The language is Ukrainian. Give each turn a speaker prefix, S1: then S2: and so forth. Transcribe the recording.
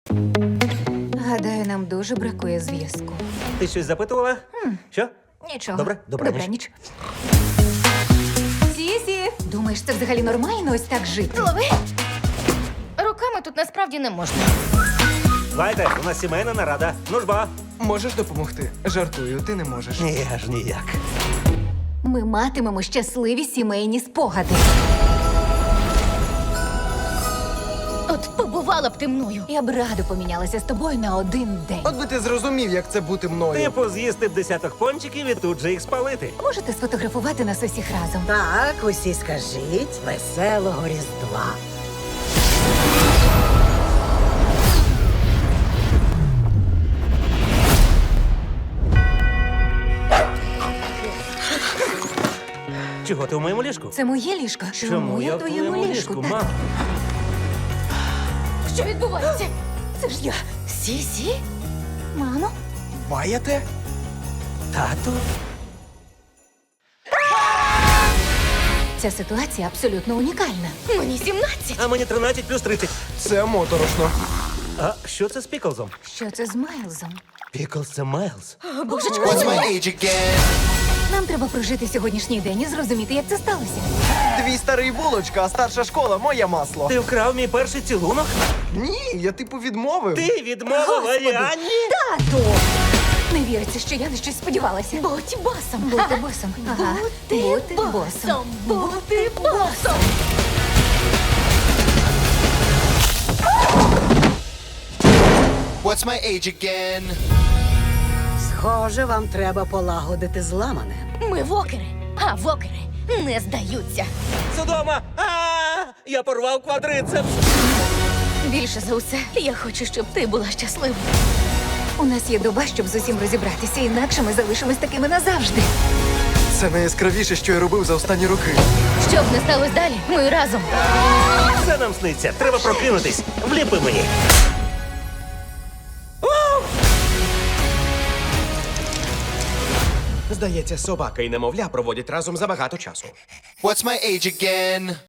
S1: Гадаю, нам дуже бракує зв'язку.
S2: Ти щось запитувала? Що?
S1: Нічого.
S2: Добре, добра ніч.
S1: ніч. Сісі! Думаєш, це взагалі нормально ось так жити?
S3: Лови! Руками тут насправді не можна.
S2: Давайте, у нас сімейна нарада. Ну ж ба.
S4: Можеш допомогти? Жартую, ти не можеш.
S2: Ні, аж ніяк.
S1: Ми матимемо щасливі сімейні спогади.
S3: От побувала б ти мною.
S1: Я б радо помінялася з тобою на один день.
S4: От би ти зрозумів, як це бути мною.
S2: Типу, з'їсти б десяток пончиків і тут же їх спалити.
S1: Можете сфотографувати нас усіх разом?
S5: Так, усі скажіть веселого Різдва.
S2: Чого ти в моєму ліжку?
S1: Це моє ліжко. Чому я в твоєму ліжку? Так.
S2: мам?
S3: Що відбувається?
S1: Це ж я.
S3: Сі-сі?
S1: Мамо?
S4: Ваяте?
S2: Тату?
S1: Ця ситуація абсолютно унікальна.
S3: Мені 17.
S2: А мені 13 плюс 30.
S4: Це моторошно.
S2: А що це з Піклзом?
S1: Що це з Майлзом?
S2: Піклз це Майлз.
S1: Нам треба прожити сьогоднішній день і зрозуміти, як це сталося.
S4: Твій старий булочка, а старша школа моє масло.
S2: Ти вкрав мій перший цілунок?
S4: Ні, я типу відмовив.
S2: Ти відмовив Аріанні?
S1: Тату! Не віриться, що я на щось сподівалася.
S3: Будь босом.
S1: Бути босом. Ага.
S3: Бути босом. Бути босом.
S6: What's my age again?
S5: Схоже, вам треба полагодити зламане.
S3: Ми вокери, а вокери не здаються.
S2: Содома! Я порвав квадрицепс.
S3: Більше за усе, я хочу, щоб ти була щаслива.
S1: У нас є доба, щоб з усім розібратися, інакше ми залишимось такими назавжди.
S4: Це найяскравіше, що я робив за останні роки.
S3: Що б не сталося далі, ми разом.
S2: Це нам сниться. Треба прокинутись. Вліпи мені.
S7: Здається, собака і немовля проводять разом забагато часу.
S6: What's my age again?